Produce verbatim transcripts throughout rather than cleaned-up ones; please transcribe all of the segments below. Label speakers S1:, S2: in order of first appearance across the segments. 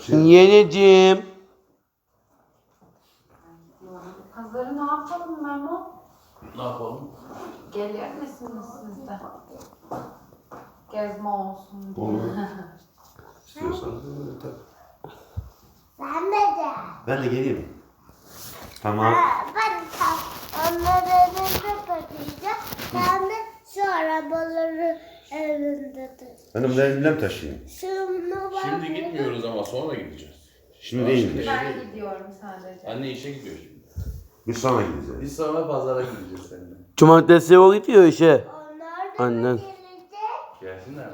S1: Yeneceğim.
S2: Pazarı ne yapalım Memo?
S3: Ne yapalım?
S2: Gelir misiniz siz de? Gezme olsun diye.
S4: Olur. İstiyorsan e, tabii.
S5: Ben de de.
S4: Ben de geleyim. Tamam.
S5: Aa, ben tam onları evinde bakacağım. Ben de şu arabaları evinde de.
S4: Ben de bunları elimden taşıyayım.
S5: Şunu var.
S3: Şimdi gitmiyoruz ama sonra gideceğiz.
S4: Şimdi değil.
S2: Ben gidiyorum sadece.
S3: Anne işe gidiyor şimdi.
S4: Biz sonra gideceğiz.
S3: Biz sonra pazara gideceğiz seninle.
S1: Cumartesi o gidiyor işe.
S5: Onlar da
S1: Annen.
S5: gelecek.
S3: Gelsinler mi?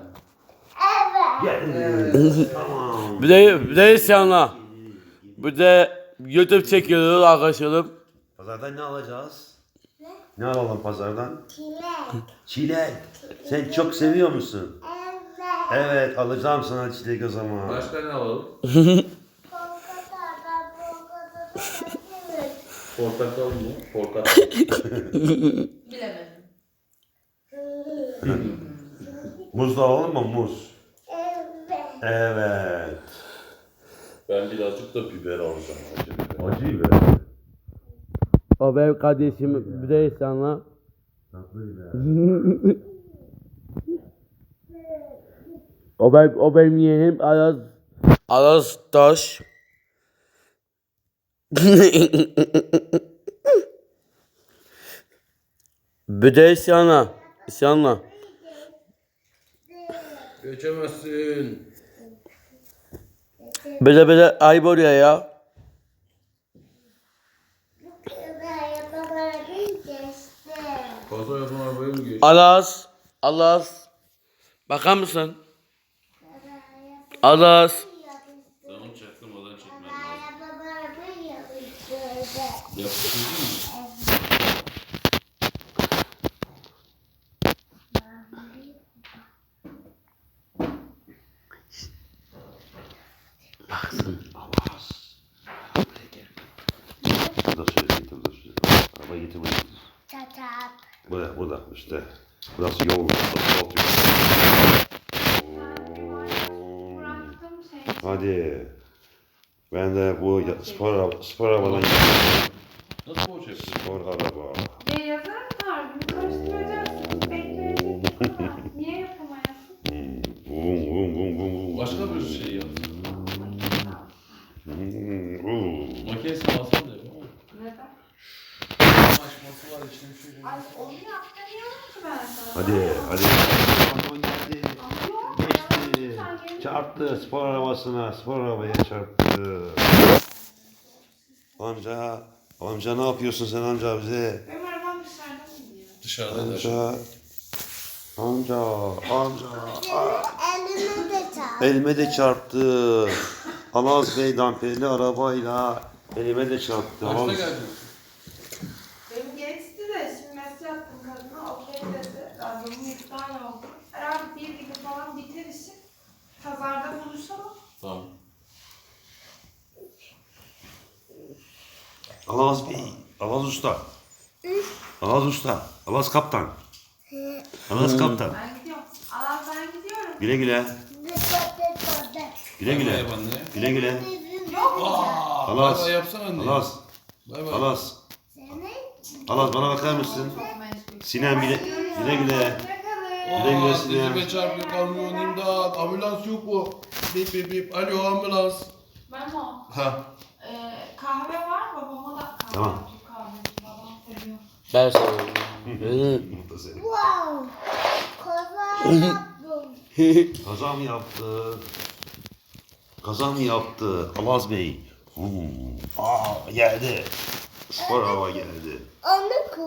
S5: Evet.
S4: Tamam.
S1: Bir de, bir de isyanla. Bir de YouTube çekiyoruz arkadaşlarım.
S4: Pazardan ne alacağız? Ne? Ne alalım pazardan?
S5: Çilek.
S4: Çilek. Sen çok seviyor musun?
S5: Evet.
S4: Evet, alacağım sana çilek o zaman.
S3: Başka ne alalım?
S5: Portakal. Ben portakal da
S3: Portakal mı? Portakal.
S2: Bilemedim.
S4: Muz da alalım mı? Muz.
S5: Evet.
S4: Evet.
S3: Ben birazcık da biber alacağım. Acı biber.
S4: Acı biber.
S1: O benim kardeşim bir de isyanla.
S4: Tatlı biber.
S1: O benim, o benim yeğenim Aras. Aras Taş. Bir de isyanla. İsyanla.
S3: Geçemezsin.
S1: Böyle böyle ayıp oluyor ya.
S3: Kaza yapan arabaya mı geçti?
S1: Aras. Aras. Bakar mısın? Aras.
S3: Tamam çaktırmadan çekmem lazım. Yapıştırdın mı?
S4: Alas. Burada şöyle getir, burada şöyle. Araba getir, burada getir.
S5: Çatak.
S4: Burada, burada işte. Burası yol, asfalt yol. Oo.
S2: Bıraktım şey.
S4: Hadi. Ben de bu ya- spor, araba- spor arabadan gidiyorum.
S3: Nasıl poğaça yapıyorsun?
S4: Spor araba.
S2: Ya yazar tarifini karıştıracaksınız. Bekleyeceksin ama niye yapamayasın?
S4: Vum vum vum vum vum.
S3: Başka bir şey yap.
S4: Hmm, vum.
S3: Makinesini alsana da yapamam.
S2: Neden?
S3: Açması var içine bir şey.
S2: Ay onu yaptırıyorum ki ben sana.
S4: Hadi, hadi. Kamyon geldi.
S2: Ama yok.
S4: Geçti.
S2: Sen gelin.
S4: Çarptı spor arabasına, spor arabaya çarptı. Amca, amca ne yapıyorsun sen amca bize?
S2: Benim arabam dışarıda mı gidiyor?
S3: Dışarıda da.
S4: Amca, amca, amca.
S5: Elime de çarp.
S4: Elime de çarptı. Alaz Bey damperli arabayla elime de çarptı.
S3: Kaçta
S4: Al.
S3: geleceksin?
S2: Benim geçti de şimdi mesaj attım kadına okey dedi. Randevum iptal oldu. Herhalde bir gibi falan biter işim. Pazarda buluşalım.
S3: Tamam.
S4: Alaz Bey, Alaz Usta. Alaz Usta, Alaz Kaptan. Alaz Kaptan.
S2: Ben gidiyorum. Aa ben gidiyorum.
S4: Güle güle, güle güle,
S3: Bay bay anne.
S4: güle güle.
S2: Yok mu?
S3: Aa,
S4: Alas.
S3: bay bay yapsana anne.
S4: Alaz,
S3: Bay bay.
S4: Alaz. Alaz bana bakar mısın?
S2: Çok meşgul.
S4: Sinem güle, güle güle.
S2: Hoşçakalın.
S4: Güle güle
S3: Aa,
S4: Sinem.
S3: dizime çarpıyor kamyon imdat. Ambulans yok mu? Bip bip bip. Alo ambulans.
S2: Memo.
S3: Ha.
S2: Ee, kahve var babama da kahve.
S4: Tamam.
S2: Türk kahvesi babam seviyor.
S1: Ben sana.
S5: Wow. Kaza yaptım.
S4: Kaza mı yaptı? Kaza mı yaptı? Alaz Bey. Hmm. Aa geldi. Spor araba geldi.
S5: Onu